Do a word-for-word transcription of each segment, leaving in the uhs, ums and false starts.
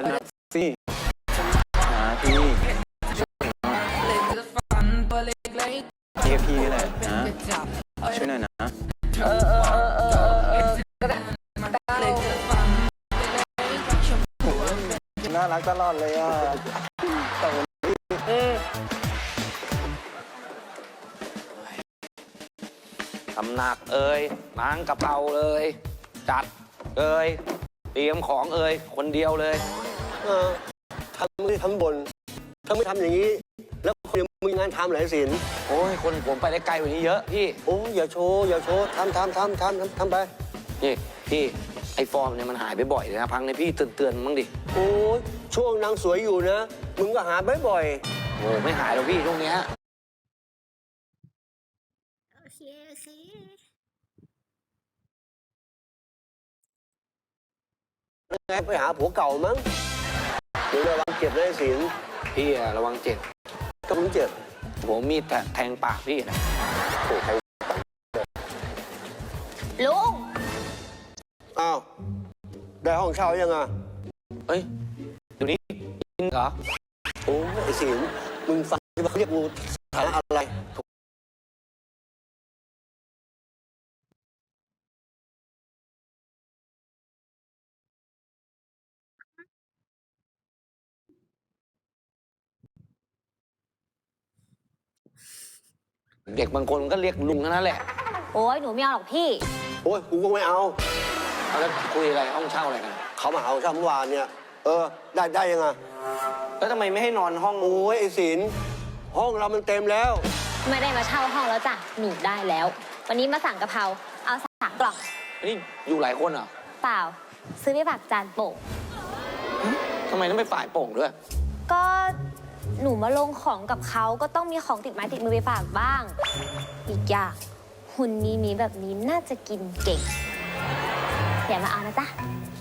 นะสิหาพี่เรียกพี่นี่แหละนะช่วยหน่อยนะเออเออเออเออเออก็ได้น่ารักตลอดเลยอ่ะตำหนักเอ่ยล้างกระเพราเอ่ยจัดเอ่ยเตรียมของเอ่ยคนเดียวเลยเออทำไม่ทำบนถ้าไม่ทำอย่างนี้ แล้วคนมีงานทำหลายสินโอ้ยคนผมไปได้ไกลกว่านี้เยอะพี่โอ้อย่าโชว์อย่าโชว์ทำทำทำทำทำทำไปนี่พี่ไอ้ฟอร์มเนี่ยมันหายไปบ่อยเลยนะพังในพี่เตือนเตือนมั้งดิโอ้ช่วงนางสวยอยู่นะมึงก็หาบ่อยโอ้ไม่หายหรอกพี่ช่วงเนี้ยโอเคโอเคๆไงไปหาผัวเก่ามั้งเดี๋ยวระวังเจ็บนะไอ้สินพี่อะระวังเจ็บก็มึงเจ็บผมมีดแทงปากพี่นะโอ้ใครลุงอ้าวได้ห้องเช่ายังอ่ะเอ้ยเดี๋ยวนี้กินเหรอโอ้ไอ้สินมึงฟังที่เขาเรียกกูสถานะอะไรเด็กบางคนมันก็เรียกลุงเท่านั้นแหละโอ้ยหนูไม่เอาหรอกพี่โอ้ยกูก็ไม่เอาเอาแล้วคุยอะไรห้องเช่าอะไรกันเขามาเอาเช่าเมื่อวานเนี่ยเออได้ได้ยังไงแล้วทำไมไม่ให้นอนห้องโอ้ยไอ้สินห้องเรามันเต็มแล้วไม่ได้มาเช่าห้องแล้วจ้ะหนูได้แล้ว วันนี้มาสั่งกะเพราเอาสามกล่องนี่อยู่หลายคนเหรอเปล่า ซื้อไปฝากจานโป่งทำไมต้องไปฝ่ายโป่งด้วยก็หนูมาลงของกับเขาก็ต้องมีของติดไม้ติดมือไปฝากบ้าง อีกอย่างหุ่นมีมีแบบนี้น่าจะกินเก่งอย่ามาเอานะจ๊ะ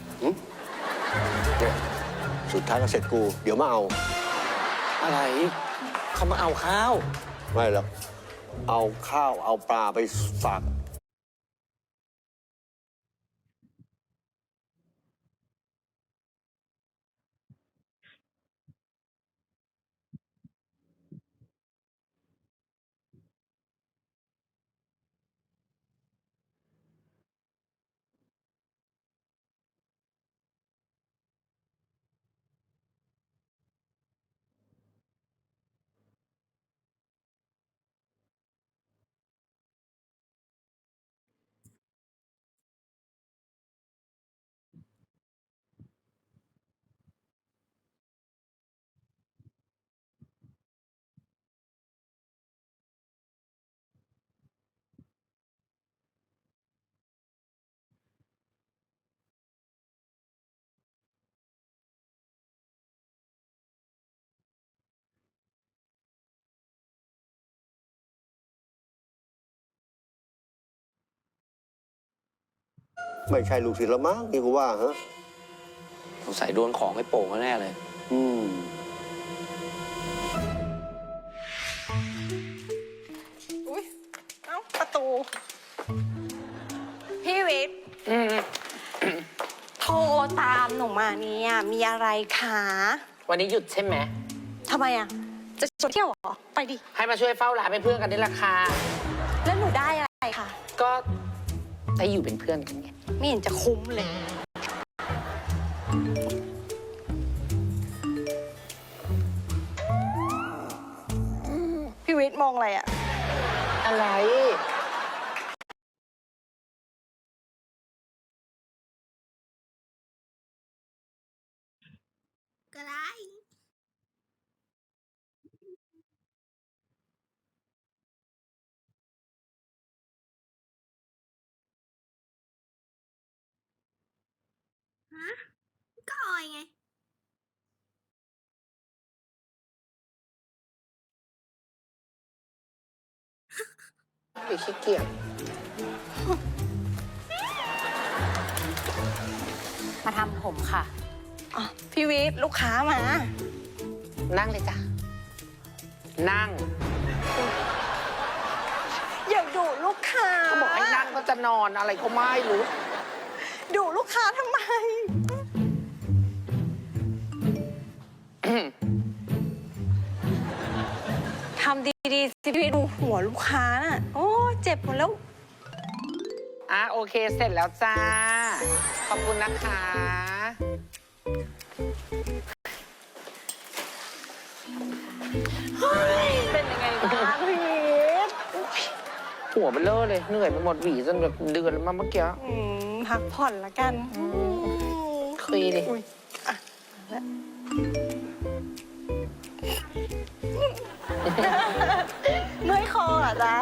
เนี่ยสุดท้ายก็เสร็จกู เดี๋ยวมาเอาอะไรเขามาเอาข้าวไม่หรอก เอาข้าวเอาปลาไปฝาก ไม่ใช่ลูกศิษย์ละมั้งนี่กูว่าฮะสงสัยโดนของไอ้โป่งแน่เลยอืมอุ๊ย เอ้า ประตู พี่วิทย์โทรตามหนูมาเนี่ย มีอะไรคะวันนี้หยุดใช่ไหมทำไมอ่ะ จะชวนเที่ยวเหรอ ไปดิให้มาช่วยเฝ้าร้านเป็นเพื่อนกันได้ราคาแล้วหนูได้อะไรคะก็ได้อยู่เป็นเพื่อนกันไงไม่เห็นจะคุ้มเลย พี่วิทย์มองอะไรอ่ะอะไรก็ได้ ฮะ ก็ออยไงไปขี้เกียจมาทำผมค่ะอ๋อ พี่วิทย์ลูกค้ามานั่งเลยจ้ะ นั่งอย่าดุลูกค้าเขาบอกให้นั่งก็จะนอนอะไรก็ไม่รู้ดุลูกค้าทำไมดีๆสิพี่ดูหัวลูกค้าน่ะโอ้เจ็บหมดแล้วอ่ะโอเคเสร็จแล้วจ้า ขอบคุณนะคะเป็นยังไงบ้างพี่หัวเบลอเลยเหนื่อยไปหมดหวีจนแบบเดือนมาเมื่อกี้อืมพักผ่อนละกันคุยเลยอุ๊ยอ่ะเมื่อยคอเหรอจ๊ะ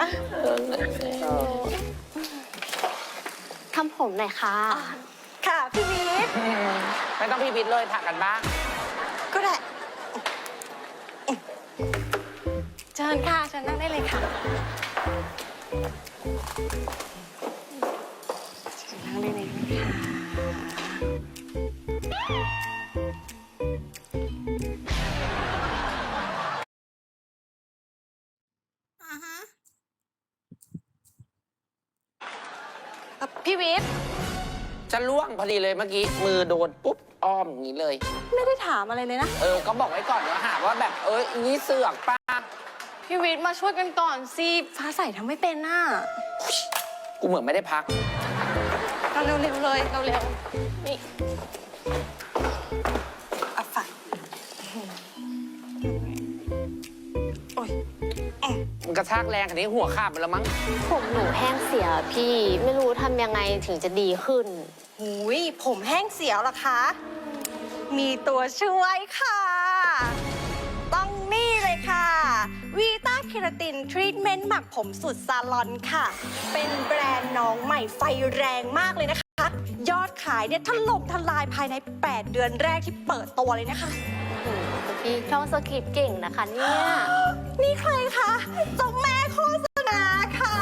ทำผมหน่อยค่ะค่ะพี่วิทย์ไม่ต้องพี่บิดเลยถักกันบ้างก็ได้เชิญค่ะเชิญนั่งได้เลยค่ะเชิญนั่งได้เลยค่ะอ่ะพี่วิทย์จะล่วงพอดีเลยเมื่อกี้ มือโดนปุ๊บ อ้อมอย่างนี้เลยไม่ได้ถามอะไรเลยนะเออ ก็บอกไว้ก่อนว่าหาว่าแบบ เอ้ยอย่างนี้เสือกป้าพี่วิทย์มาช่วยกันก่อนสิฟ้าใสทำไม่เป็นน่ะกูเหมือนไม่ได้พักเราเร็วๆเลยเราเร็วๆนี่อ่ะฝักโอ้ยมันกระชากแรงขนาดนี้หัวขาดไปแล้วมั้งผมหนูแห้งเสียพี่ไม่รู้ทำยังไงถึงจะดีขึ้นหูยผมแห้งเสียวเหรอคะ มีตัวช่วยค่ะ ต้องนี่เลยค่ะวีต้าเคราตินทรีทเมนต์หมักผมสุดซาลอนค่ะ เป็นแบรนด์น้องใหม่ไฟแรงมากเลยนะคะ ยอดขายเนี่ยถล่มทลายภายใน แปด เดือนแรกที่เปิดตัวเลยนะคะพี่ท่องสคริปต์เก่งนะคะเนี่ยนี่ใครคะเจ้าแม่โฆษณาค่ะ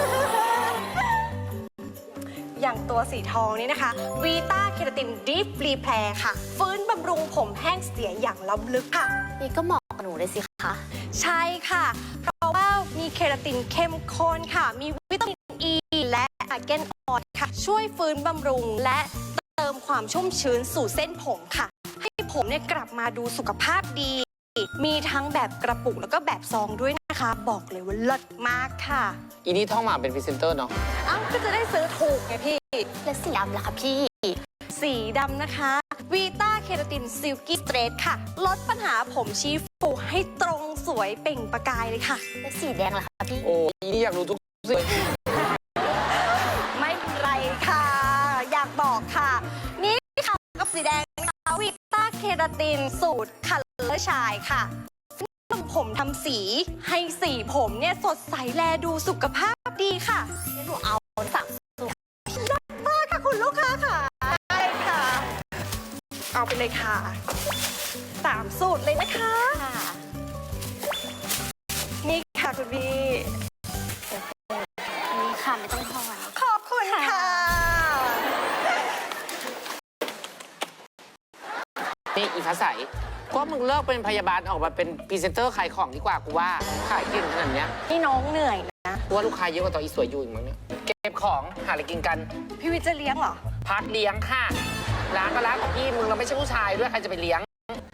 อย่างตัวสีทองนี่นะคะวีต้าเคราตินดีฟรีแพร์ค่ะ ฟื้นบำรุงผมแห้งเสียอย่างล้ำลึกค่ะนี่ก็เหมาะกับหนูเลยสิคะใช่ค่ะ เพราะว่ามีเคราตินเข้มข้นค่ะ มีวิตามินอ e ีและอาร์แกนออยล์ค่ะ ช่วยฟื้นบำรุงและเติมความชุ่มชื้นสู่เส้นผมค่ะ ให้ผมเนี่ยกลับมาดูสุขภาพดี มีทั้งแบบกระปุกแล้วก็แบบซองด้วยนะคะ บอกเลยว่าเลิศมากค่ะอีนี่ท่องมาเป็นพรีเซนเตอร์เนาะเอ้าก็จะได้ซื้อถูกไงพี่และสีดำล่ะคะพี่สีดำนะคะวีต้าเคราตินซิลกี้สเตรทค่ะ ลดปัญหาผมชี้ฟูให้ตรงสวยเปล่งประกายเลยค่ะและสีแดงล่ะคะพี่โอ้อีนี่อยากรู้ทุกสิ่งไม่เป็นไรค่ะ อยากบอกค่ะ นี่ค่ะกับสีแดงนะคะวีต้าเคราตินสูตรคัลเลอร์ชายค่ะผมทำสีให้สีผมเนี่ยสดใสแลดูสุขภาพดีค่ะเดี๋ยวหนูเอาสั่งสูตรได้มากค่ะคุณลูกค้าค่ะได้ค่ะ เอาไปเลยค่ะสามสูตรเลยนะคะ นี่ค่ะคุณบีนี่ค่ะไม่ต้องทอนขอบคุณค่ะนี่อีฟ้าใสก็มึงเลิกเป็นพยาบาลออกมาเป็นพรีเซนเตอร์ขายของดีกว่ากูว่า ขายเก่งขนาดเนี้ยนี่น้องเหนื่อยนะกูว่าลูกค้าเยอะกว่าตอนอีสวยอยู่อีกมั้งเนี่ย เก็บของหาอะไรกินกันพี่วิทย์จะเลี้ยงเหรอพักเลี้ยงค่ะร้านก็ร้านของพี่มึงเราไม่ใช่ผู้ชายด้วยใครจะไปเลี้ยง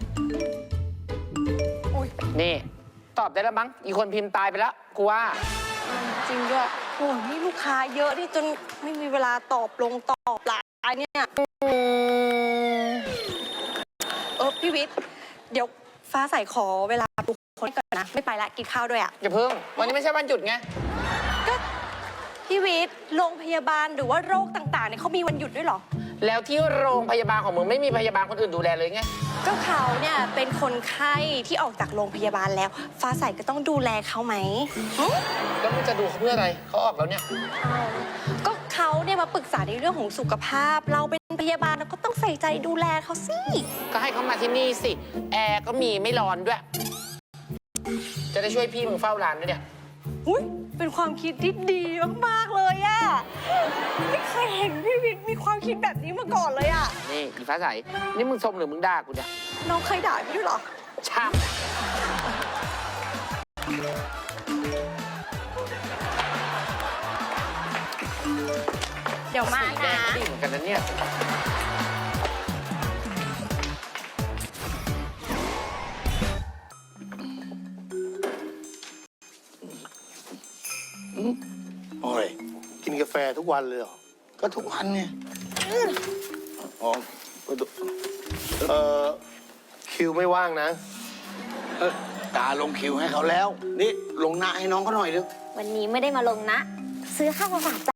อุ๊ยนี่ ตอบได้แล้วมั้งอีกคนพิมพ์ตายไปแล้วกูว่าจริงด้วยโอ้ยนี่ลูกค้าเยอะนี่จนไม่มีเวลาตอบลงตอบไลน์เนี่ย เออพี่วิทย์เดี๋ยวฟ้าใสขอเวลาดูคนก่อนนะ ไม่ไปละกินข้าวด้วยอ่ะอย่าเพิ่ง วันนี้ไม่ใช่วันหยุดไงก็พี่วิทย์โรงพยาบาลหรือว่าโรคต่างๆเนี่ยเขามีวันหยุดด้วยเหรอแล้วที่โรงพยาบาลของมึงไม่มีพยาบาลคนอื่นดูแลเลยไงก็เขาเนี่ยเป็นคนไข้ที่ออกจากโรงพยาบาลแล้ว ฟ้าใสก็ต้องดูแลเขาไหมหึแล้วมึงจะดูเขาเพื่ออะไรเขาออกแล้วเนี่ยก็เขาเนี่ยมาปรึกษาในเรื่องของสุขภาพ เราเป็นพยาบาลเราก็ต้องใส่ใจดูแลเขาสิก็ให้เขามาที่นี่สิ แอร์ก็มีไม่ร้อนด้วย จะได้ช่วยพี่มึงเฝ้าร้านด้วยเนี่ยอุ้ยเป็นความคิดที่ดีมากๆเลยอะไม่เคยเห็นพี่วิทย์มีความคิดแบบนี้มาก่อนเลยอะนี่อีฟ้าใส นี่มึงชมหรือมึงด่ากูเนี่ยน้องเคยด่าพี่ด้วยเหรอช่างเดี๋ยวมาสีแดนะงก็ดีเหมือนกันนะเนี่ยโอ้ยกินกาแฟทุกวันเลยเหรอก็ทุกวันไงอ๋อเออคิวไม่ว่างนะเออตาลงคิวให้เขาแล้ว นี่ลงหน้าให้น้องเขาหน่อยเร็ววันนี้ไม่ได้มาลงนะ ซื้อข้าวมาฝาก